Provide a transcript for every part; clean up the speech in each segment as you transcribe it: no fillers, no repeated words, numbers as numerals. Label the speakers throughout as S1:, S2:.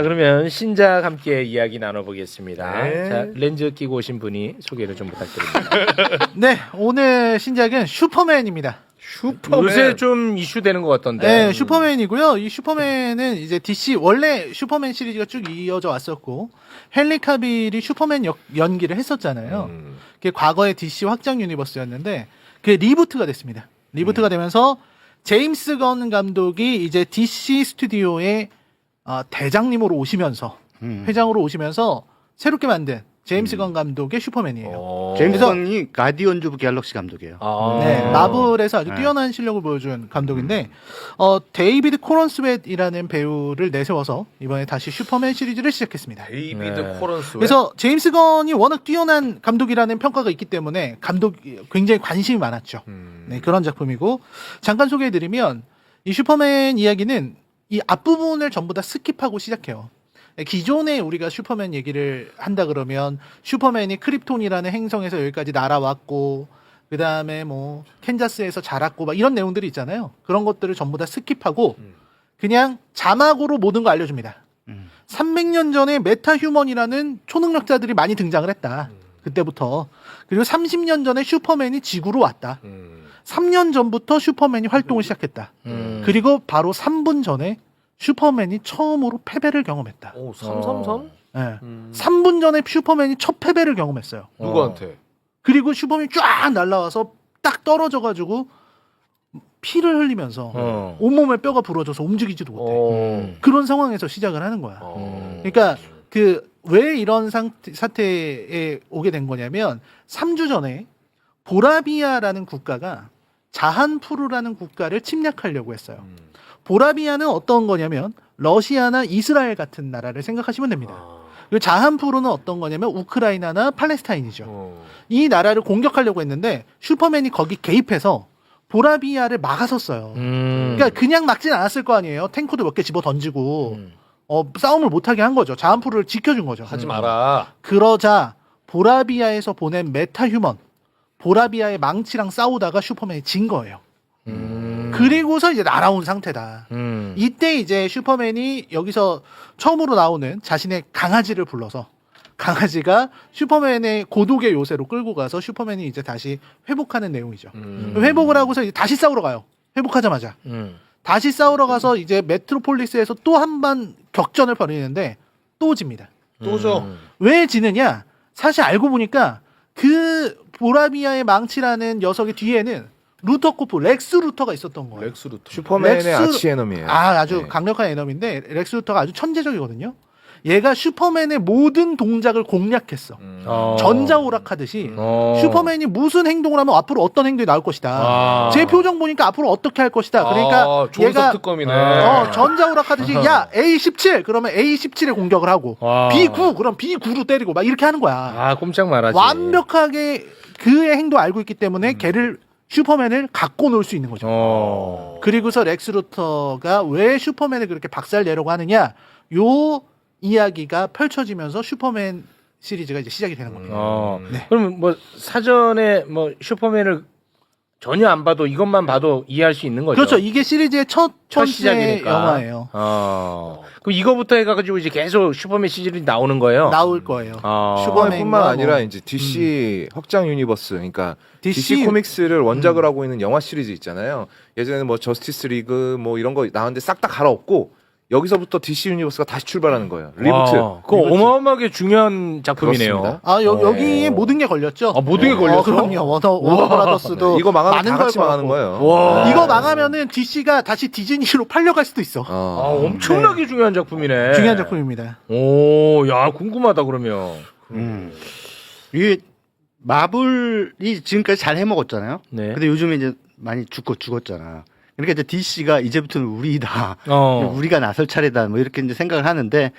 S1: 그러면 신작 함께 이야기 나눠보겠습니다.
S2: 네.
S1: 자, 렌즈 끼고 오신 분이 소개를 좀 부탁드립니다.
S3: 네, 오늘 신작은 슈퍼맨입니다.
S2: 슈퍼맨.
S1: 요새 좀 이슈되는 것 같던데.
S3: 네, 슈퍼맨이고요. 이 슈퍼맨은 이제 DC 원래 슈퍼맨 시리즈가 쭉 이어져 왔었고 헨리 카빌이 슈퍼맨 연기를 했었잖아요. 그게 과거의 DC 확장 유니버스였는데 그게 리부트가 됐습니다. 리부트가 되면서 제임스 건 감독이 이제 DC 스튜디오의 대장님으로 오시면서 회장으로 오시면서 새롭게 만든 제임스 건 감독의 슈퍼맨이에요.
S4: 제임스
S3: 그래서-
S4: 건이 가디언즈 오브 갤럭시 감독이에요.
S3: 네, 마블에서 아주
S4: 네.
S3: 뛰어난 실력을 보여준 감독인데 데이비드 코런스웨트이라는 배우를 내세워서 이번에 다시 슈퍼맨 시리즈를 시작했습니다.
S2: 데이비드
S1: 네.
S2: 코런스.
S3: 그래서 제임스 건이 워낙 뛰어난 감독이라는 평가가 있기 때문에 굉장히 관심이 많았죠. 네, 그런 작품이고 잠깐 소개해드리면 이 슈퍼맨 이야기는 이 앞부분을 전부 다 스킵하고 시작해요. 기존에 우리가 슈퍼맨 얘기를 한다 그러면 슈퍼맨이 크립톤이라는 행성에서 여기까지 날아왔고 그 다음에 뭐 캔자스에서 자랐고 막 이런 내용들이 있잖아요. 그런 것들을 전부 다 스킵하고 그냥 자막으로 모든 거 알려줍니다. 300년 전에 메타휴먼이라는 초능력자들이 많이 등장을 했다. 그때부터. 그리고 30년 전에 슈퍼맨이 지구로 왔다. 3년 전부터 슈퍼맨이 활동을 시작했다. 그리고 바로 3분 전에 슈퍼맨이 처음으로 패배를 경험했다.
S2: 오, 333?
S3: 네. 3분 전에 슈퍼맨이 첫 패배를 경험했어요.
S2: 누구한테?
S3: 그리고 슈퍼맨이 쫙 날아와서 딱 떨어져가지고 피를 흘리면서 온몸에 뼈가 부러져서 움직이지도 못해. 그런 상황에서 시작을 하는 거야. 그러니까 왜 이런 사태에 오게 된 거냐면 3주 전에 보라비아라는 국가가 자한푸르라는 국가를 침략하려고 했어요. 보라비아는 어떤 거냐면 러시아나 이스라엘 같은 나라를 생각하시면 됩니다. 그리고 자한푸르는 어떤 거냐면 우크라이나나 팔레스타인이죠. 이 나라를 공격하려고 했는데 슈퍼맨이 거기 개입해서 보라비아를 막아섰어요. 그러니까 그냥 막진 않았을 거 아니에요. 탱크도 몇 개 집어 던지고 싸움을 못하게 한 거죠. 자한푸르를 지켜준 거죠.
S2: 하지 마라.
S3: 그러자 보라비아에서 보낸 메타휴먼 보라비아의 망치랑 싸우다가 슈퍼맨이 진 거예요. 그리고서 이제 날아온 상태다. 이때 이제 슈퍼맨이 여기서 처음으로 나오는 자신의 강아지를 불러서 강아지가 슈퍼맨의 고독의 요새로 끌고 가서 슈퍼맨이 이제 다시 회복하는 내용이죠. 회복을 하고서 이제 다시 싸우러 가요. 회복하자마자. 다시 싸우러 가서 이제 메트로폴리스에서 또 한 번 격전을 벌이는데 또 집니다.
S2: 또죠.
S3: 왜 지느냐? 사실 알고 보니까 그 보라비아의 망치라는 녀석의 뒤에는 루터 코프, 렉스 루터가 있었던 거예요.
S2: 렉스 루터.
S5: 슈퍼맨의
S3: 렉스-
S5: 아치에너미예요.
S3: 아주
S5: 네.
S3: 강력한 에너미인데 렉스 루터가 아주 천재적이거든요. 얘가 슈퍼맨의 모든 동작을 공략했어. 전자오락하듯이 슈퍼맨이 무슨 행동을 하면 앞으로 어떤 행동이 나올 것이다. 제 표정 보니까 앞으로 어떻게 할 것이다. 그러니까
S2: 존석
S3: 얘가
S2: 특검이네.
S3: 전자오락하듯이 야 A17 그러면 A17에 공격을 하고 B9 그럼 B9로 때리고 막 이렇게 하는 거야.
S1: 꼼짝 말하지.
S3: 완벽하게 그의 행동 알고 있기 때문에 걔를 슈퍼맨을 갖고 놀 수 있는 거죠. 그리고서 렉스 루터가 왜 슈퍼맨을 그렇게 박살 내려고 하느냐 요 이야기가 펼쳐지면서 슈퍼맨 시리즈가 이제 시작이 되는 겁니다. 네.
S1: 그럼 뭐 사전에 뭐 슈퍼맨을 전혀 안 봐도 이것만 봐도 이해할 수 있는 거죠.
S3: 그렇죠. 이게 시리즈의 첫 번째
S1: 시작이니까.
S3: 영화예요.
S1: 그럼 이거부터 해가지고 이제 계속 슈퍼맨 시즌이 나오는 거예요.
S3: 나올 거예요.
S5: 슈퍼맨뿐만 아니라
S3: 뭐.
S5: 이제 DC 확장 유니버스, 그러니까
S3: DC
S5: DC 코믹스를 원작을 하고 있는 영화 시리즈 있잖아요. 예전에는 뭐 저스티스 리그 뭐 이런 거 나왔는데 싹 다 갈아엎고 여기서부터 DC 유니버스가 다시 출발하는 거예요. 리부트.
S1: 그거 어마어마하게 중요한 작품이네요.
S5: 그렇습니다.
S3: 여기에 모든 게 걸렸죠.
S1: 모든 게 걸렸어?
S3: 그럼요. 워너 브라더스도
S5: 이거 망하면
S3: 많은
S5: 다
S3: 걸
S5: 같이
S3: 걸었고.
S5: 망하는 거예요.
S1: 와.
S3: 이거 망하면은 DC가 다시 디즈니로 팔려갈 수도 있어.
S1: 엄청나게 중요한 작품이네.
S3: 중요한 작품입니다.
S1: 오, 야, 궁금하다 그러면.
S4: 이게 마블이 지금까지 잘 해먹었잖아요.
S1: 네.
S4: 근데 요즘에 이제 많이 죽었잖아. 그러니까 이제 DC가 이제부터는 우리다. 우리가 나설 차례다. 뭐 이렇게 이제 생각을 하는데,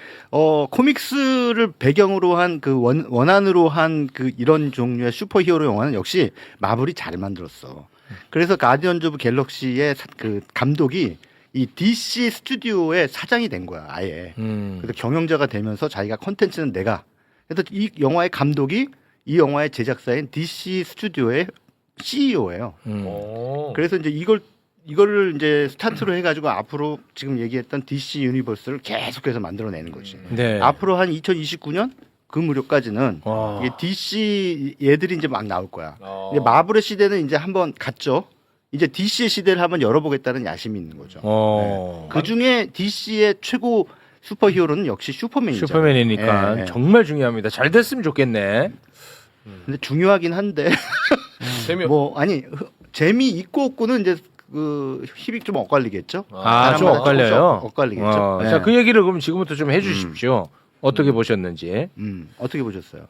S4: 코믹스를 배경으로 한 그 원안으로 한 그 이런 종류의 슈퍼히어로 영화는 역시 마블이 잘 만들었어. 그래서 가디언즈 오브 갤럭시의 그 감독이 이 DC 스튜디오의 사장이 된 거야, 아예. 그래서 경영자가 되면서 자기가 컨텐츠는 내가. 그래서 이 영화의 감독이 이 영화의 제작사인 DC 스튜디오의 CEO예요. 그래서 이제 이걸 이거를 이제 스타트로 해가지고 앞으로 지금 얘기했던 DC 유니버스를 계속해서 만들어내는 거지.
S1: 네.
S4: 앞으로 한 2029년 그 무렵까지는
S1: 와.
S4: 이게 DC 얘들이 이제 막 나올 거야.
S2: 어.
S4: 이제 마블의 시대는 이제 한번 갔죠. 이제 DC의 시대를 한번 열어보겠다는 야심이 있는 거죠. 그 중에 DC의 최고 슈퍼히어로는 역시 슈퍼맨이죠.
S1: 슈퍼맨이니까
S4: 예, 예.
S1: 정말 중요합니다. 잘 됐으면 좋겠네.
S4: 근데 중요하긴 한데
S2: 재미
S4: 뭐 아니 재미 있고 없고는 이제 그 힘이 좀 엇갈리겠죠.
S1: 아, 좀
S4: 사람마다
S1: 엇갈려요?
S4: 조금씩 엇갈리겠죠. 네.
S1: 자, 그 얘기를 그럼 지금부터 좀 해주십시오. 어떻게 보셨는지.
S4: 어떻게 보셨어요?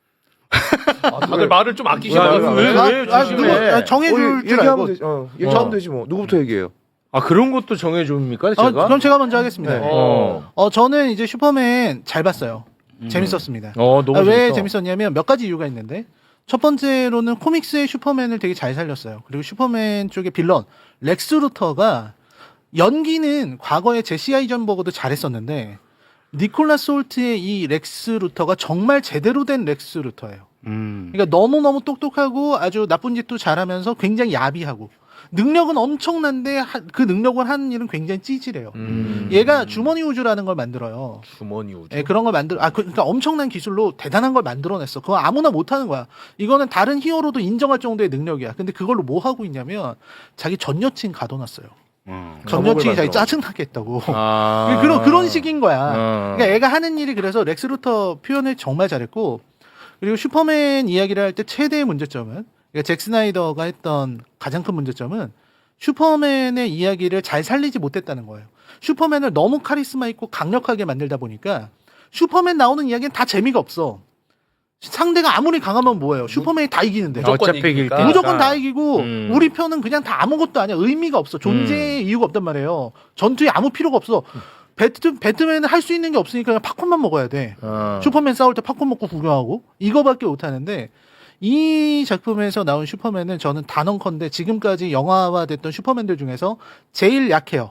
S2: 다들 말을 좀
S1: 야,
S2: 아끼시나
S1: 왜,
S2: 봐요.
S1: 왜 조심해.
S3: 정해줄 줄 알고.
S5: 얘기하면 되지. 얘기하면 되지 뭐. 누구부터 얘기해요?
S1: 아, 그런 것도 정해줍니까? 제가?
S3: 그럼 제가 먼저 하겠습니다.
S5: 네.
S3: 저는 이제 슈퍼맨 잘 봤어요. 재밌었습니다.
S1: 너무
S3: 왜
S1: 재밌어.
S3: 재밌었냐면 몇 가지 이유가 있는데 첫 번째로는 코믹스의 슈퍼맨을 되게 잘 살렸어요. 그리고 슈퍼맨 쪽의 빌런 렉스 루터가 연기는 과거에 제시 아이전버거도 잘했었는데 니콜라스 홀트의 이 렉스 루터가 정말 제대로 된 렉스 루터예요. 그러니까 너무너무 똑똑하고 아주 나쁜 짓도 잘하면서 굉장히 야비하고 능력은 엄청난데 그 능력을 하는 일은 굉장히 찌질해요. 얘가 주머니 우주라는 걸 만들어요.
S2: 주머니 우주.
S3: 예, 그런 걸 그러니까 엄청난 기술로 대단한 걸 만들어냈어. 그거 아무나 못하는 거야. 이거는 다른 히어로도 인정할 정도의 능력이야. 근데 그걸로 뭐 하고 있냐면 자기 전 여친 가둬놨어요. 전 여친이 자기 짜증나게 했다고.
S1: 아.
S3: 그런 식인 거야.
S1: 어.
S3: 그러니까 애가 하는 일이 그래서 렉스 루터 표현을 정말 잘했고 그리고 슈퍼맨 이야기를 할 때 최대의 문제점은 그러니까 잭 스나이더가 했던 가장 큰 문제점은 슈퍼맨의 이야기를 잘 살리지 못했다는 거예요. 슈퍼맨을 너무 카리스마 있고 강력하게 만들다 보니까 슈퍼맨 나오는 이야기는 다 재미가 없어. 상대가 아무리 강하면 뭐예요? 슈퍼맨이 다 이기는데.
S2: 무조건
S1: 어차피 이길
S2: 이기니까.
S1: 테니까.
S3: 무조건 다 이기고 우리
S1: 음.
S3: 편은 그냥 다 아무것도 아니야. 의미가 없어. 존재의 이유가 없단 말이에요. 전투에 아무 필요가 없어. 배트맨은 할 수 있는 게 없으니까 그냥 팝콘만 먹어야 돼. 슈퍼맨 싸울 때 팝콘 먹고 구경하고 이거밖에 못 하는데 이 작품에서 나온 슈퍼맨은 저는 단언컨대 지금까지 영화화됐던 슈퍼맨들 중에서 제일 약해요.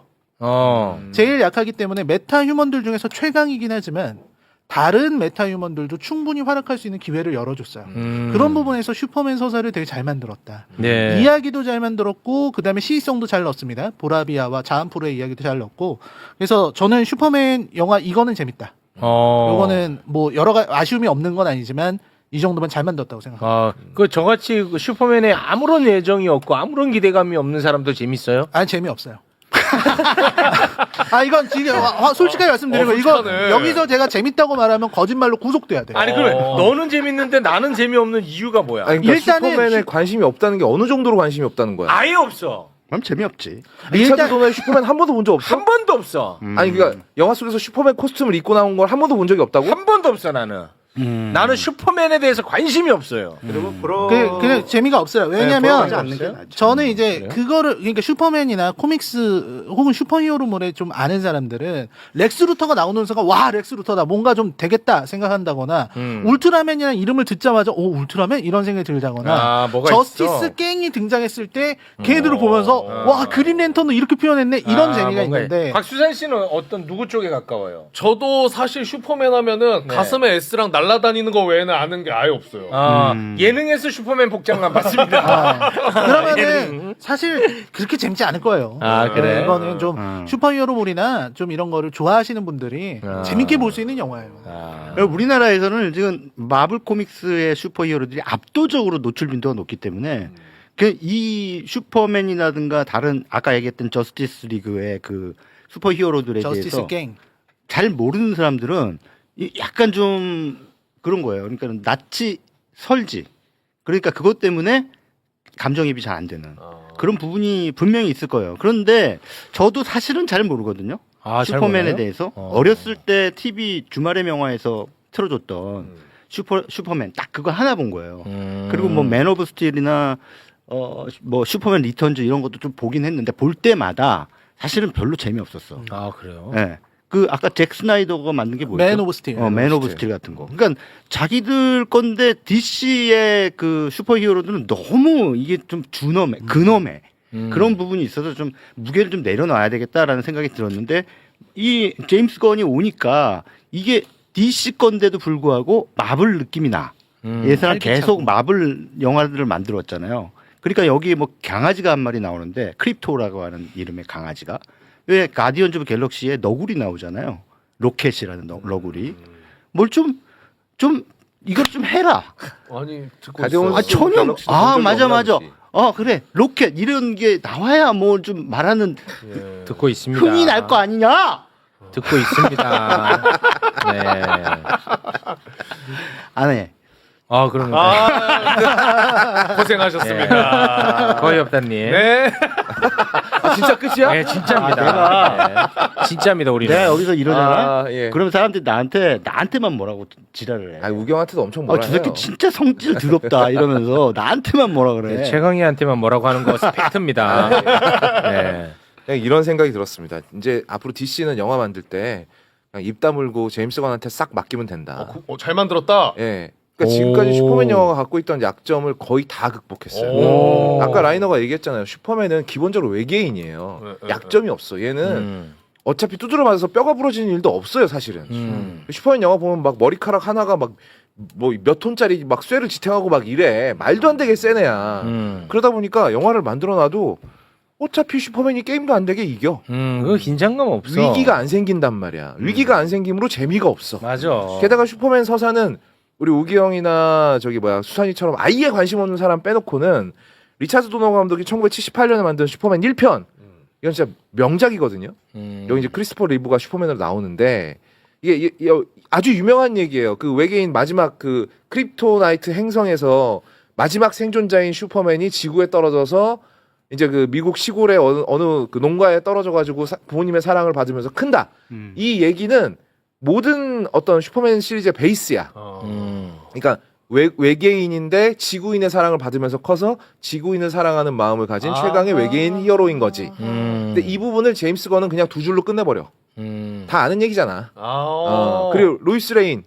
S3: 제일 약하기 때문에 메타 휴먼들 중에서 최강이긴 하지만 다른 메타 휴먼들도 충분히 활약할 수 있는 기회를 열어줬어요. 그런 부분에서 슈퍼맨 서사를 되게 잘 만들었다.
S1: 네.
S3: 이야기도 잘 만들었고 그다음에 시의성도 잘 넣었습니다. 보라비아와 자한프로의 이야기도 잘 넣었고 그래서 저는 슈퍼맨 영화 이거는 재밌다. 요거는 뭐 여러 가지 아쉬움이 없는 건 아니지만 이 정도면 잘 만들었다고 생각합니다.
S1: 그 저같이 그 슈퍼맨에 아무런 애정이 없고 아무런 기대감이 없는 사람도 재밌어요?
S3: 아니 재미없어요. 이건 지금 솔직하게 말씀드리는 거 이거
S2: 솔직하네.
S3: 여기서 제가 재밌다고 말하면 거짓말로 구속돼야 돼.
S1: 아니 그래 너는 재밌는데 나는 재미없는 이유가 뭐야?
S5: 아니, 그러니까
S3: 일단은
S5: 슈퍼맨에 관심이 없다는 게 어느 정도로 관심이 없다는 거야.
S1: 아예 없어.
S4: 그럼 재미없지.
S5: 리차드 도너의 슈퍼맨 한 번도 본 적 없어?
S1: 한 번도 없어.
S5: 아니 그러니까 영화 속에서 슈퍼맨 코스튬을 입고 나온 걸 한 번도 본 적이 없다고?
S1: 한 번도 없어 나는. 나는 슈퍼맨에 대해서 관심이 없어요.
S4: 그리고
S3: 그냥 재미가 없어요. 왜냐면
S4: 하지 않는 게 낫죠.
S3: 저는 이제 그거를 그러니까 슈퍼맨이나 코믹스 혹은 슈퍼히어로물에 좀 아는 사람들은 렉스 루터가 나오는 순간 와 렉스 루터다 뭔가 좀 되겠다 생각한다거나 울트라맨이라는 이름을 듣자마자 오 울트라맨 이런 생각이 들자거나
S1: 뭐가
S3: 저스티스
S1: 있어.
S3: 갱이 등장했을 때 걔네들을 보면서 와 그린 랜턴도 이렇게 표현했네 이런 재미가
S1: 뭔가
S3: 있는데
S1: 곽수산 씨는 어떤 누구 쪽에 가까워요?
S2: 저도 사실 슈퍼맨 하면은
S1: 네.
S2: 가슴에 S랑 날아다니는 거 외에는 아는 게 아예 없어요.
S1: 예능에서 슈퍼맨 복장만 봤습니다.
S3: 그러면은 사실 그렇게 재밌지 않을 거예요.
S1: 그래?
S3: 이거는 좀 슈퍼히어로물이나 좀 이런 거를 좋아하시는 분들이 재밌게 볼 수 있는 영화예요.
S4: 우리나라에서는 지금 마블 코믹스의 슈퍼히어로들이 압도적으로 노출 빈도가 높기 때문에 이 슈퍼맨이라든가 다른 아까 얘기했던 저스티스 리그의 그 슈퍼히어로들에
S3: 저스티스
S4: 대해서
S3: 갱.
S4: 잘 모르는 사람들은 약간 좀 그런 거예요. 그러니까 낯이 설지. 그러니까 그것 때문에 감정이입이 잘 안 되는 그런 부분이 분명히 있을 거예요. 그런데 저도 사실은 잘 모르거든요.
S1: 잘
S4: 슈퍼맨에
S1: 몰라요?
S4: 대해서 어렸을 때 TV 주말의 명화에서 틀어줬던 슈퍼맨 딱 그거 하나 본 거예요. 그리고 뭐 맨 오브 스틸이나 뭐 슈퍼맨 리턴즈 이런 것도 좀 보긴 했는데 볼 때마다 사실은 별로 재미없었어.
S1: 그래요?
S4: 네. 그 아까 잭 스나이더가 만든 게 뭐였죠?
S3: 맨 오브 스틸.
S4: 맨 오브 스틸 같은 거. 그러니까 자기들 건데 DC의 그 슈퍼히어로들은 너무 이게 좀 준엄해, 근엄해. 그런 부분이 있어서 좀 무게를 좀 내려놔야 되겠다라는 생각이 들었는데 이 제임스 건이 오니까 이게 DC 건데도 불구하고 마블 느낌이 나. 예전에 계속 마블 영화들을 만들었잖아요. 그러니까 여기 뭐 강아지가 한 마리 나오는데 크립토라고 하는 이름의 강아지가 왜 가디언즈 오브 갤럭시에 너구리 나오잖아요. 로켓이라는 너구리. 뭘 좀 이걸 좀 해라.
S2: 아니 듣고
S5: 가디언즈
S2: 있어요.
S4: 전혀
S5: 갤럭시도 본 적이
S4: 맞아
S5: 없나
S4: 맞아.
S5: 보지.
S4: 그래 로켓 이런 게 나와야 뭐 좀 말하는
S2: 예.
S1: 듣고 있습니다.
S4: 흥이 날 거 아니냐?
S1: 듣고 있습니다. 네.
S4: 안 해.
S1: 그런 거.
S2: 고생하셨습니다.
S1: 거의 없다님.
S2: 네.
S5: 진짜 끝이야?
S1: 네, 진짜입니다. 네. 진짜입니다, 우리는.
S4: 내가 여기서 이러잖아.
S5: 예.
S4: 그러면 사람들이 나한테만 뭐라고 지랄을 해.
S5: 아 우경한테도 엄청 뭐라
S4: 저
S5: 해요.
S4: 새끼 진짜 성질 더럽다 이러면서 나한테만 뭐라 그래.
S1: 네, 최강희한테만 뭐라고 하는 거 팩트입니다. 네.
S5: 그냥 이런 생각이 들었습니다. 이제 앞으로 DC는 영화 만들 때 그냥 입 다물고 제임스 건한테 싹 맡기면 된다.
S2: 잘 만들었다.
S5: 예. 그러니까 지금까지 슈퍼맨 영화가 갖고 있던 약점을 거의 다 극복했어요.
S2: 오.
S5: 아까 라이너가 얘기했잖아요. 슈퍼맨은 기본적으로 외계인이에요.
S2: 네, 네,
S5: 약점이 없어. 얘는 어차피 두드려 맞아서 뼈가 부러지는 일도 없어요, 사실은. 슈퍼맨 영화 보면 막 머리카락 하나가 막 뭐 몇 톤짜리 막 쇠를 지탱하고 막 이래. 말도 안 되게 센 애야. 그러다 보니까 영화를 만들어 놔도 어차피 슈퍼맨이 게임도 안 되게 이겨.
S1: 그거 긴장감 없어.
S5: 위기가 안 생긴단 말이야. 위기가 안 생김으로 재미가 없어.
S1: 맞아.
S5: 게다가 슈퍼맨 서사는 우리 우기 형이나 수산이처럼 아예 관심 없는 사람 빼놓고는 리차드 도너 감독이 1978년에 만든 슈퍼맨 1편 이건 진짜 명작이거든요. 여기 이제 크리스토퍼 리브가 슈퍼맨으로 나오는데 이게 아주 유명한 얘기예요. 그 외계인 마지막 그 크립토나이트 행성에서 마지막 생존자인 슈퍼맨이 지구에 떨어져서 이제 그 미국 시골의 어느 그 농가에 떨어져가지고 부모님의 사랑을 받으면서 큰다. 이 얘기는 모든 어떤 슈퍼맨 시리즈의 베이스야. 그러니까 외계인인데 지구인의 사랑을 받으면서 커서 지구인을 사랑하는 마음을 가진 최강의 외계인 히어로인 거지. 근데 이 부분을 제임스 건은 그냥 두 줄로 끝내버려. 다 아는 얘기잖아. 그리고 로이스 레인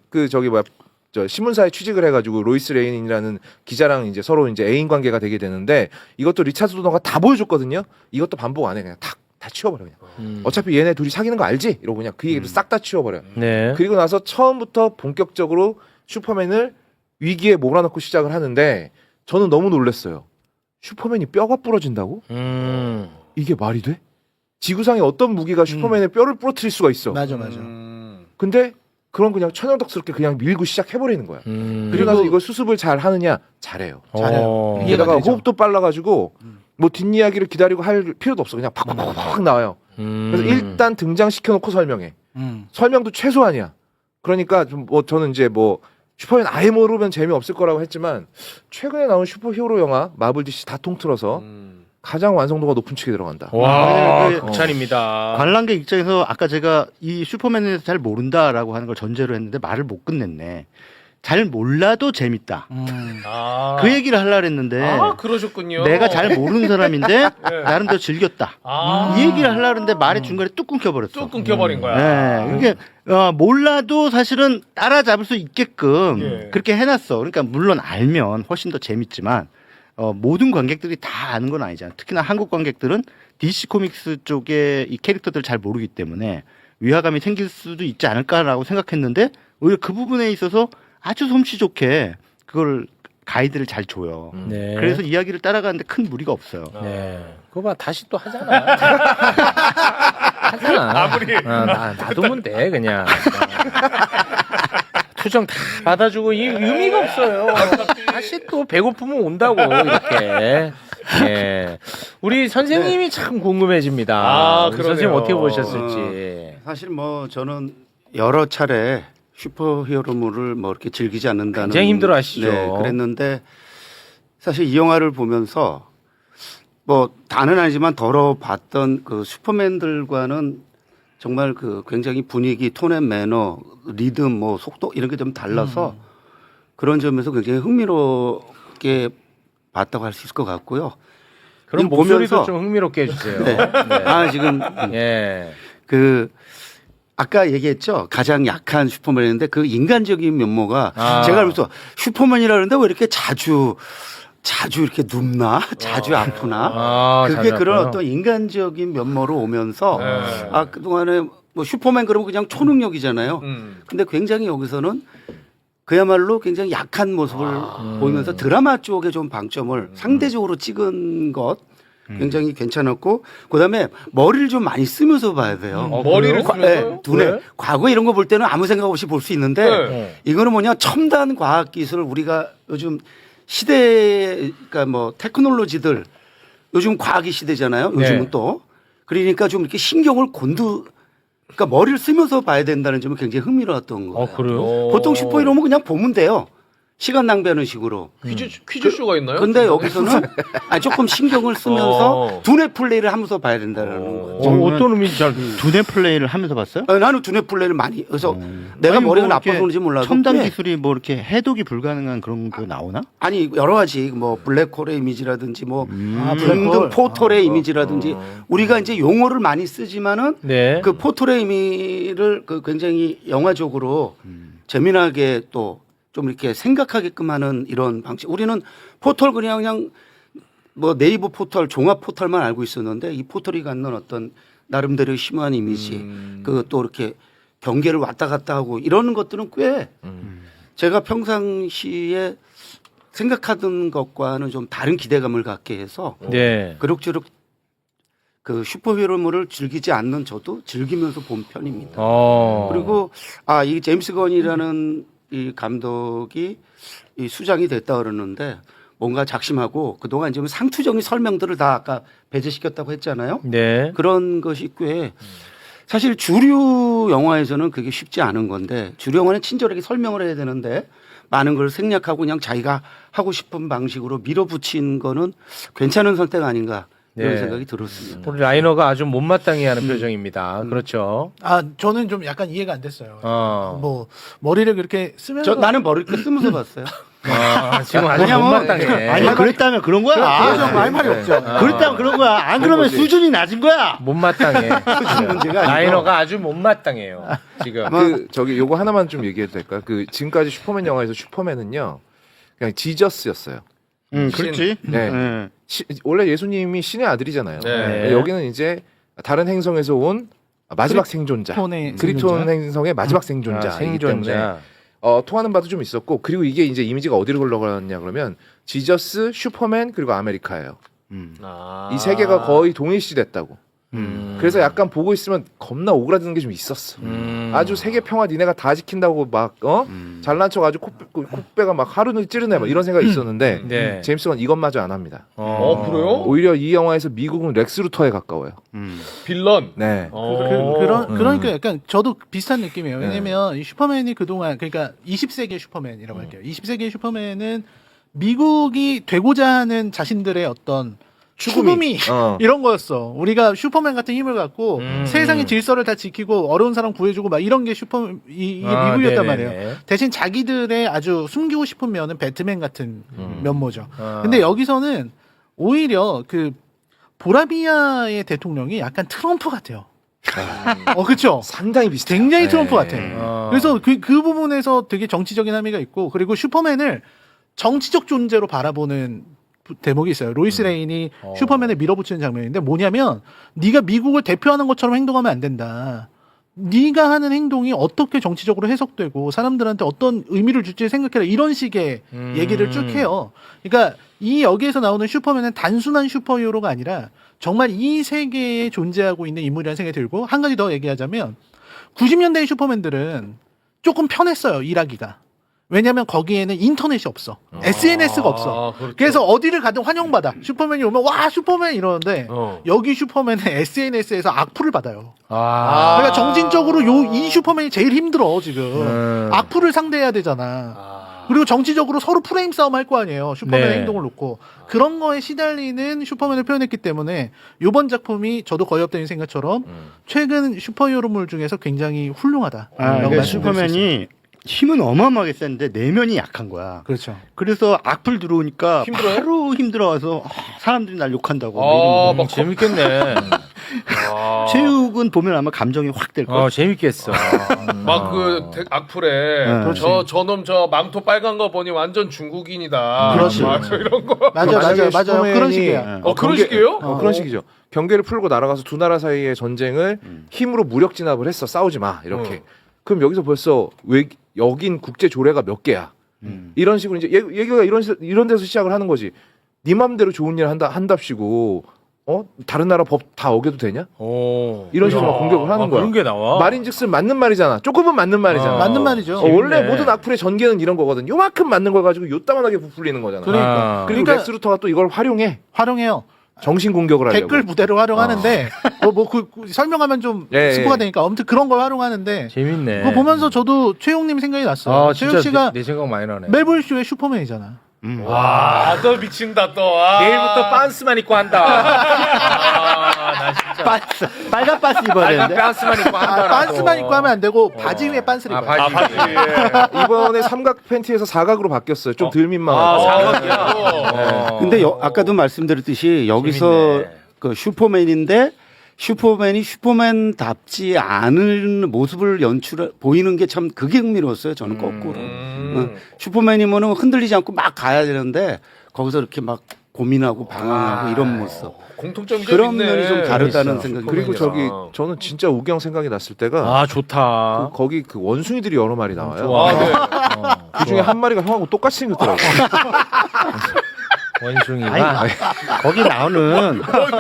S5: 저 신문사에 취직을 해가지고 로이스 레인이라는 기자랑 이제 서로 이제 애인 관계가 되게 되는데 이것도 리차드 도너가 다 보여줬거든요. 이것도 반복 안 해. 그냥 다 치워버려 그냥. 어차피 얘네 둘이 사귀는 거 알지? 이러고 그냥 그 얘기를 싹 다 치워버려.
S1: 네.
S5: 그리고 나서 처음부터 본격적으로 슈퍼맨을 위기에 몰아넣고 시작을 하는데 저는 너무 놀랐어요. 슈퍼맨이 뼈가 부러진다고? 이게 말이 돼? 지구상에 어떤 무기가 슈퍼맨의 뼈를 부러뜨릴 수가 있어.
S3: 맞아.
S5: 근데 그런 그냥 천연덕스럽게 그냥 밀고 시작해버리는 거야. 그리고 나서 이걸 수습을 잘 하느냐? 잘해요.
S3: 잘해요. 이해가
S5: 게다가
S3: 되죠.
S5: 호흡도 빨라가지고 뭐 뒷이야기를 기다리고 할 필요도 없어. 그냥 팍팍팍팍 나와요. 그래서 일단 등장시켜놓고 설명해. 설명도 최소한이야. 그러니까 좀 뭐 저는 이제 뭐 슈퍼맨 아예 모르면 재미없을 거라고 했지만 최근에 나온 슈퍼히어로 영화 마블 DC 다 통틀어서 가장 완성도가 높은 측에 들어간다.
S1: 와,
S4: 네,
S1: 극찬입니다.
S4: 관람객 입장에서 아까 제가 이 슈퍼맨에 대해서 잘 모른다라고 하는 걸 전제로 했는데 말을 못 끝냈네. 잘 몰라도 재밌다. 그 얘기를 하려고 했는데
S2: 그러셨군요.
S4: 내가 잘 모르는 사람인데
S2: 네.
S4: 나름대로 즐겼다. 이 얘기를 하려고 했는데 말의 중간에 뚝 끊겨버렸어.
S2: 뚝 끊겨버린 거야.
S4: 네, 이게 몰라도 사실은 따라잡을 수 있게끔
S2: 예.
S4: 그렇게 해놨어. 그러니까 물론 알면 훨씬 더 재밌지만 모든 관객들이 다 아는 건 아니잖아. 특히나 한국 관객들은 DC 코믹스 쪽의 이 캐릭터들을 잘 모르기 때문에 위화감이 생길 수도 있지 않을까라고 생각했는데 오히려 그 부분에 있어서 아주 솜씨 좋게 그걸 가이드를 잘 줘요.
S1: 네.
S4: 그래서 이야기를 따라가는데 큰 무리가 없어요.
S1: 네. 그거 봐, 다시 또 하잖아. 하잖아.
S2: 아무리.
S1: 놔두면 돼, 그냥. 투정 다 받아주고 이 의미가 없어요. 다시 또 배고프면 온다고 이렇게. 예. 우리 선생님이 참 궁금해집니다. 우리
S2: 그러네요.
S1: 선생님 어떻게 보셨을지.
S6: 사실 뭐 저는 여러 차례 슈퍼히어로물을 뭐 이렇게 즐기지 않는다는
S1: 굉장히 힘들어하시죠.
S6: 네, 그랬는데 사실 이 영화를 보면서 뭐 다는 아니지만 덜어 봤던 그 슈퍼맨들과는 정말 그 굉장히 분위기, 톤앤 매너, 리듬, 뭐 속도 이런 게 좀 달라서 그런 점에서 굉장히 흥미롭게 봤다고 할 수 있을 것 같고요.
S1: 그럼
S6: 지금
S1: 목소리도
S6: 보면서-
S1: 좀 흥미롭게 해주세요.
S6: 네. 지금
S1: 예.
S6: 그 아까 얘기했죠. 가장 약한 슈퍼맨인데 그 인간적인 면모가 제가 그래서 슈퍼맨이라는데 왜 이렇게 자주 이렇게 눕나? 자주 아프나? 그게
S1: 자주
S6: 그런
S1: 아파요?
S6: 어떤 인간적인 면모로 오면서 그동안에 뭐 슈퍼맨 그러면 그냥 초능력이잖아요. 근데 굉장히 여기서는 그야말로 굉장히 약한 모습을 보이면서 드라마 쪽에 좀 방점을 상대적으로 찍은 것 굉장히 괜찮았고 그다음에 머리를 좀 많이 쓰면서 봐야 돼요.
S2: 머리를
S6: 과-
S2: 쓰면서요?
S6: 눈에
S2: 왜?
S6: 과거 이런 거 볼 때는 아무 생각 없이 볼 수 있는데
S2: 네.
S6: 이거는 뭐냐 첨단 과학 기술을 우리가 요즘 시대 그러니까 뭐 테크놀로지들 요즘 과학의 시대잖아요. 요즘은
S1: 네.
S6: 또 그러니까 좀 이렇게 신경을 그러니까 머리를 쓰면서 봐야 된다는 점이 굉장히 흥미로웠던 거예요.
S1: 그래요?
S6: 보통 슈퍼히어로는 그냥 보면 돼요. 시간 낭비하는 식으로.
S2: 퀴즈쇼가 있나요?
S6: 근데 여기서는 조금 신경을 쓰면서
S2: 어.
S6: 두뇌 플레이를 하면서 봐야 된다는 거죠.
S1: 어떤 의미인지 잘
S4: 두뇌 플레이를 하면서 봤어요?
S6: 나는 두뇌 플레이를 많이 그래서 내가
S4: 아니,
S6: 머리가
S4: 뭐 이렇게
S6: 나빠서 그런지 몰라도
S4: 첨단
S6: 꽤
S4: 기술이 뭐 이렇게 해독이 불가능한 그런 거 나오나?
S6: 아니 여러 가지 뭐 블랙홀의 이미지라든지 뭐
S3: 블랙홀.
S6: 등등 포털의 이미지라든지 우리가 이제 용어를 많이 쓰지만은
S1: 네.
S6: 그 포털의 의미를 그 굉장히 영화적으로 재미나게 또 좀 이렇게 생각하게끔 하는 이런 방식. 우리는 포털 그냥 뭐 네이버 포털, 종합 포털만 알고 있었는데 이 포털이 갖는 어떤 나름대로 심오한 이미지, 그 또 이렇게 경계를 왔다 갔다 하고 이러는 것들은 꽤 제가 평상시에 생각하던 것과는 좀 다른 기대감을 갖게 해서
S1: 네.
S6: 그럭저럭 그 슈퍼히어로물을 즐기지 않는 저도 즐기면서 본 편입니다. 그리고 이 제임스 건이라는 이 감독이 이 수장이 됐다 그러는데 뭔가 작심하고 그동안 지금 상투적인 설명들을 다 아까 배제시켰다고 했잖아요.
S1: 네.
S6: 그런 것이 꽤 사실 주류 영화에서는 그게 쉽지 않은 건데 주류 영화는 친절하게 설명을 해야 되는데 많은 걸 생략하고 그냥 자기가 하고 싶은 방식으로 밀어붙인 거는 괜찮은 선택 아닌가 이런
S1: 네.
S6: 생각이 들었습니다.
S1: 우리 라이너가 아주 못마땅해 하는 표정입니다. 그렇죠.
S3: 저는 좀 약간 이해가 안 됐어요.
S1: 어.
S3: 뭐 머리를 그렇게 쓰면서
S6: 나는 머리를 이렇게 쓰면서 봤어요.
S1: 지금 아주
S4: 왜냐면
S1: 못마땅해.
S4: 아니 그랬다면 그런 거야.
S3: 그렇죠. 할 말이 없죠.
S4: 그랬다면 그런 거야. 안 그러면 수준이 낮은 거야.
S1: 못마땅해.
S6: 문제가 아니고.
S1: 라이너가 아주 못마땅해요. 지금.
S5: 그 저기 요거 하나만 좀 얘기해도 될까요? 그 지금까지 슈퍼맨 영화에서 슈퍼맨은요 그냥 지저스였어요.
S4: 그렇지.
S5: 네.
S4: 네.
S5: 원래 예수님이 신의 아들이잖아요.
S2: 네.
S5: 여기는 이제 다른 행성에서 온 마지막 생존자,
S3: 크리톤의
S5: 크리톤
S3: 생존자?
S5: 행성의 마지막 생존자이기 때문에 통하는 바도 좀 있었고 그리고 이게 이제 이미지가 어디로 흘러가느냐 그러면 지저스, 슈퍼맨 그리고 아메리카예요. 이 세 개가 거의 동일시됐다고. 그래서 약간 보고 있으면 겁나 오그라드는 게 좀 있었어. 아주 세계 평화 니네가 다 지킨다고 막 잘난 척 아주 콧배가 막 하루는 찌르네 막 이런 생각이 있었는데
S1: 네.
S5: 제임스건 이것마저 안 합니다.
S2: 그래요?
S5: 오히려 이 영화에서 미국은 렉스 루터에 가까워요.
S2: 빌런.
S5: 네.
S3: 그러니까 약간 저도 비슷한 느낌이에요. 왜냐면 이 슈퍼맨이 그동안 그러니까 20세기의 슈퍼맨이라고 할게요. 20세기의 슈퍼맨은 미국이 되고자 하는 자신들의 어떤 추구미 이런 거였어. 우리가 슈퍼맨 같은 힘을 갖고 세상의 질서를 다 지키고 어려운 사람 구해주고 막 이런 게 이게 미국이었단 말이에요. 대신 자기들의 아주 숨기고 싶은 면은 배트맨 같은 면모죠. 근데 여기서는 오히려 그 보라비아의 대통령이 약간 트럼프 같아요. 그렇죠.
S5: 상당히 비슷해요.
S3: 굉장히
S5: 네.
S3: 트럼프 같아. 그래서 그 부분에서 되게 정치적인 함의가 있고 그리고 슈퍼맨을 정치적 존재로 바라보는 대목이 있어요. 로이스 레인이 슈퍼맨을 밀어붙이는 장면인데 뭐냐면 네가 미국을 대표하는 것처럼 행동하면 안 된다. 네가 하는 행동이 어떻게 정치적으로 해석되고 사람들한테 어떤 의미를 줄지 생각해라. 이런 식의 얘기를 쭉 해요. 그러니까 이 여기에서 나오는 슈퍼맨은 단순한 슈퍼히어로가 아니라 정말 이 세계에 존재하고 있는 인물이라는 생각이 들고 한 가지 더 얘기하자면 90년대의 슈퍼맨들은 조금 편했어요. 일하기가. 왜냐면 거기에는 인터넷이 없어. SNS가 없어.
S2: 그렇죠.
S3: 그래서 어디를 가든 환영받아. 슈퍼맨이 오면 와 슈퍼맨 이러는데 여기 슈퍼맨은 SNS에서 악플을 받아요. 그러니까 정신적으로 이 슈퍼맨이 제일 힘들어 지금. 악플을 상대해야 되잖아. 그리고 정치적으로 서로 프레임 싸움 할 거 아니에요. 슈퍼맨의
S1: 네.
S3: 행동을 놓고. 그런 거에 시달리는 슈퍼맨을 표현했기 때문에 이번 작품이 저도 거의 없다는 생각처럼 최근 슈퍼히어로물 중에서 굉장히 훌륭하다.
S4: 그러니까 슈퍼맨이 힘은 어마어마하게 센데 내면이 약한 거야.
S3: 그렇죠.
S4: 그래서 악플 들어오니까
S2: 힘들어요?
S4: 바로 힘들어와서 사람들이 날 욕한다고.
S2: 막
S1: 재밌겠네.
S4: 체육은 보면 아마 감정이 확 될 거야.
S1: 재밌겠어.
S2: 막 그 악플에
S4: 네.
S2: 저놈 저 망토 빨간 거 보니 완전 중국인이다.
S3: 그렇지.
S2: 맞아, 이런 거.
S3: 맞아요.
S5: 슈퍼맨이
S3: 그런 식이야.
S2: 그런 식이에요?
S5: 그런 식이죠. 경계를 풀고 날아가서 두 나라 사이의 전쟁을 힘으로 무력 진압을 했어. 싸우지 마. 이렇게. 그럼 여기서 벌써 여긴 국제 조례가 몇 개야. 이런 식으로 이제 얘기가 이런 데서 시작을 하는 거지. 네 맘대로 좋은 일 한답시고 다른 나라 법 다 어겨도 되냐? 이런 식으로 막 공격을 하는 거야.
S1: 그런 게 나와.
S5: 말인즉슨 맞는 말이잖아. 조금은 맞는 말이잖아.
S3: 맞는 말이죠.
S5: 원래
S1: 재밌네.
S5: 모든 악플의 전개는 이런 거거든. 요만큼 맞는 걸 가지고 요따만하게 부풀리는 거잖아.
S3: 그러니까.
S5: 그리고
S3: 그러니까-
S5: 렉스 루터가 또 이걸 활용해요. 정신 공격을 하려고.
S3: 댓글 부대로 활용하는데 설명하면 좀
S5: 예,
S3: 스포가
S5: 예.
S3: 되니까 아무튼 그런 걸 활용하는데
S1: 재밌네.
S3: 그거 보면서 저도 최용님 생각이 났어요.
S1: 진짜
S3: 최용 씨가
S1: 내 생각 많이 나네.
S3: 멜볼쇼의 슈퍼맨이잖아.
S2: 와, 또 미친다 또. 아.
S1: 내일부터 빤스만 입고 한다. 나 진짜.
S4: 반스, 빨간 반스 입어야 되는데.
S1: 빤스만 입고 한다.
S3: 빤스만 입고 하면 안 되고 바지 위에 빤스를 입어요.
S1: 바지.
S5: 이번에 삼각 팬티에서 사각으로 바뀌었어요. 좀 덜 민망하고.
S1: 사각이야.
S6: 근데 아까도 말씀드렸듯이 여기서
S1: 재밌네.
S6: 그 슈퍼맨인데 슈퍼맨이 슈퍼맨답지 않은 모습을 보이는 게 참 그게 흥미로웠어요. 저는 거꾸로. 슈퍼맨이면은 흔들리지 않고 막 가야 되는데 거기서 이렇게 막 고민하고 방황하고 이런 모습.
S2: 공통점이
S6: 그런
S2: 좀 있네.
S6: 면이 좀 다르다는
S1: 재밌어.
S6: 생각이
S5: 그리고
S6: 슈퍼맨이랑.
S5: 저기 저는 진짜 우경 생각이 났을 때가
S1: 좋다.
S5: 거기 그 원숭이들이 여러 마리 나와요.
S1: 좋아.
S2: 아, 네.
S5: 그 중에 한 마리가 형하고 똑같이 생겼더라고.
S1: 원숭이가.
S4: 거기 나오는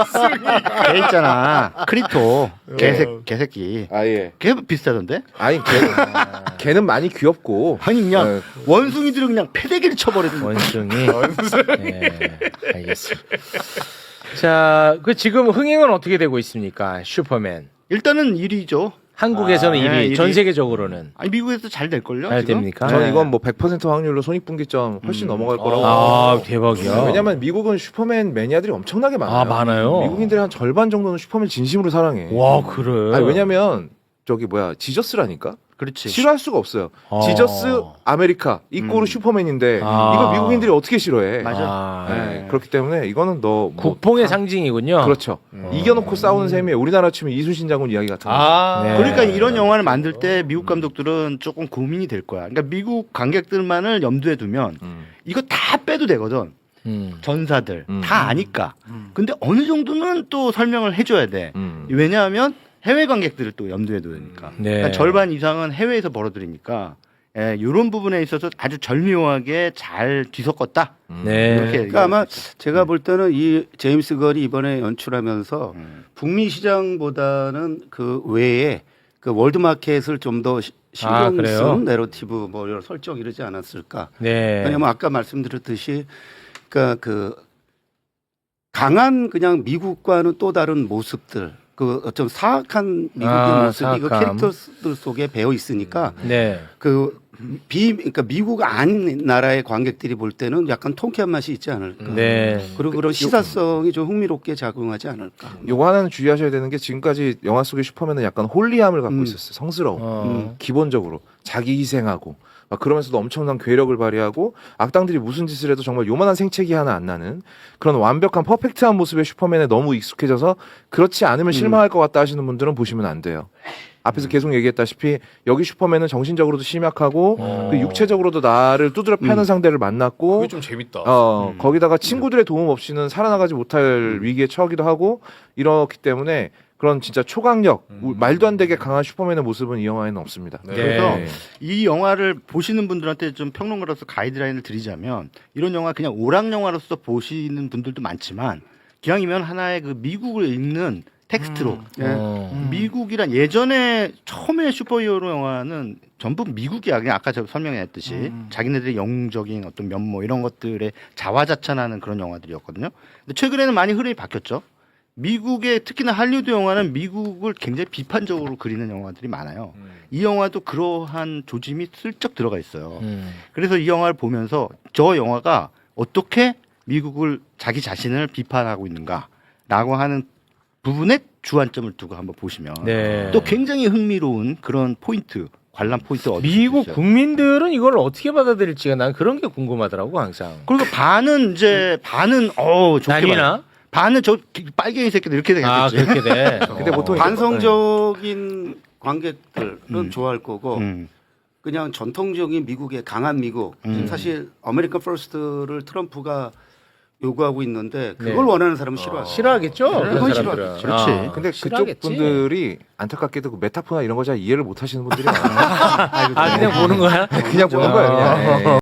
S4: 걔 있잖아. 크리토. 개새끼.
S5: 아예.
S4: 걔 비슷하던데?
S5: 아니 걔는 많이 귀엽고.
S4: 아니 그냥
S5: 네.
S4: 원숭이들은 그냥 패대기를 쳐버리는 거야.
S1: 원숭이. 네, 알겠습니다. 자, 그 지금 흥행은 어떻게 되고 있습니까? 슈퍼맨.
S4: 일단은 1위죠.
S1: 한국에서는 1위,
S4: 네, 1위.
S1: 전 세계적으로는
S4: 아니 미국에서 잘 될걸요?
S1: 잘
S4: 지금?
S1: 됩니까?
S5: 전
S4: 네.
S5: 이건 뭐 100% 확률로 손익분기점 훨씬 넘어갈 거라고.
S1: 대박이야.
S5: 왜냐면 미국은 슈퍼맨 매니아들이 엄청나게 많아요.
S1: 많아요.
S5: 미국인들의 한 절반 정도는 슈퍼맨 진심으로 사랑해.
S1: 와, 그래.
S5: 아니, 왜냐면 저기 지저스라니까.
S4: 그렇지.
S5: 싫어할 수가 없어요. 지저스 아메리카 이꼬르 슈퍼맨인데 이거 미국인들이 어떻게 싫어해?
S4: 맞아.
S5: 네, 그렇기 때문에 이거는
S1: 국뽕의 상징이군요.
S5: 그렇죠. 이겨놓고 싸우는 셈이에요. 우리나라 치면 이순신 장군 이야기 같은 거.
S1: 네.
S4: 그러니까 이런 영화를 만들 때 미국 감독들은 조금 고민이 될 거야. 그러니까 미국 관객들만을 염두에 두면 이거 다 빼도 되거든. 전사들 다 아니까. 근데 어느 정도는 또 설명을 해줘야 돼. 왜냐하면 해외 관객들을 또 염두에 둬야 되니까.
S1: 네.
S4: 그러니까 절반 이상은 해외에서 벌어들이니까 이런 부분에 있어서 아주 절묘하게 잘 뒤섞었다.
S1: 네.
S4: 이렇게
S6: 그러니까 아마 제가 볼 때는 이 제임스 걸이 이번에 연출하면서 북미 시장보다는 그 외에 그 월드 마켓을 좀 더 신경
S1: 그래요?
S6: 쓴 내러티브 뭐 이런 설정 이러지 않았을까?
S1: 네.
S6: 왜냐면 아까 말씀드렸듯이 그러니까 그 강한 그냥 미국과는 또 다른 모습들 그 어쩜 사악한 미국의 모습이 그
S1: 사악함.
S6: 캐릭터들 속에 배어 있으니까
S1: 네.
S6: 그러니까 미국 아닌 나라의 관객들이 볼 때는 약간 통쾌한 맛이 있지 않을까.
S1: 네.
S6: 그리고 그런 시사성이 좀 흥미롭게 작용하지 않을까.
S5: 요거 하나는 주의하셔야 되는 게 지금까지 영화 속의 슈퍼맨은 약간 홀리함을 갖고 있었어요. 성스러워. 기본적으로 자기 희생하고 막 그러면서도 엄청난 괴력을 발휘하고 악당들이 무슨 짓을 해도 정말 요만한 생채기 하나 안 나는 그런 완벽한 퍼펙트한 모습의 슈퍼맨에 너무 익숙해져서 그렇지 않으면 실망할 것 같다 하시는 분들은 보시면 안 돼요. 앞에서 계속 얘기했다시피 여기 슈퍼맨은 정신적으로도 심약하고 그 육체적으로도 나를 두드려 패는 상대를 만났고
S2: 그게 좀 재밌다.
S5: 거기다가 친구들의 도움 없이는 살아나가지 못할 위기에 처하기도 하고 이렇기 때문에 그런 진짜 초강력 말도 안 되게 강한 슈퍼맨의 모습은 이 영화에는 없습니다.
S2: 네.
S4: 그래서 이 영화를 보시는 분들한테 좀 평론가로서 가이드라인을 드리자면 이런 영화 그냥 오락 영화로서 보시는 분들도 많지만 기왕이면 하나의 그 미국을 읽는 텍스트로 미국이란 예전에 처음에 슈퍼히어로 영화는 전부 미국이야. 그냥 아까 제가 설명했듯이 자기네들의 영웅적인 어떤 면모 이런 것들에 자화자찬하는 그런 영화들이었거든요. 근데 최근에는 많이 흐름이 바뀌었죠. 미국의 특히나 할리우드 영화는 미국을 굉장히 비판적으로 그리는 영화들이 많아요. 이 영화도 그러한 조짐이 슬쩍 들어가 있어요. 그래서 이 영화를 보면서 저 영화가 어떻게 미국을 자기 자신을 비판하고 있는가라고 하는 부분에 주안점을 두고 한번 보시면
S1: 네.
S4: 또 굉장히 흥미로운 그런 포인트, 관람 포인트 얻을 수
S1: 미국
S4: 있어요.
S1: 국민들은 이걸 어떻게 받아들일지가 난 그런 게 궁금하더라고 항상.
S4: 그리고 반은 이제 반은 좋게
S1: 난리나?
S4: 봐요. 반은 저 빨갱이 새끼들 이렇게 되겠지.
S1: 그렇게 돼.
S5: 근데 보통
S6: 반성적인 관객들은 좋아할 거고
S4: 음.
S6: 그냥 전통적인 미국의 강한 미국 지금 사실 아메리칸 퍼스트를 트럼프가 요구하고 있는데 그걸
S1: 네.
S6: 원하는 사람은 싫어하죠.
S1: 싫어하겠죠. 그런
S6: 그건
S1: 사람들은.
S4: 그렇지.
S1: 아,
S5: 근데
S1: 싫어하겠지.
S5: 그쪽 분들이 안타깝게도 그 메타포나 이런 거 잘 이해를 못 하시는 분들이 많아요.
S1: 아 그냥 보는 거야?
S5: 그냥 보는 거예요. 그냥. 예.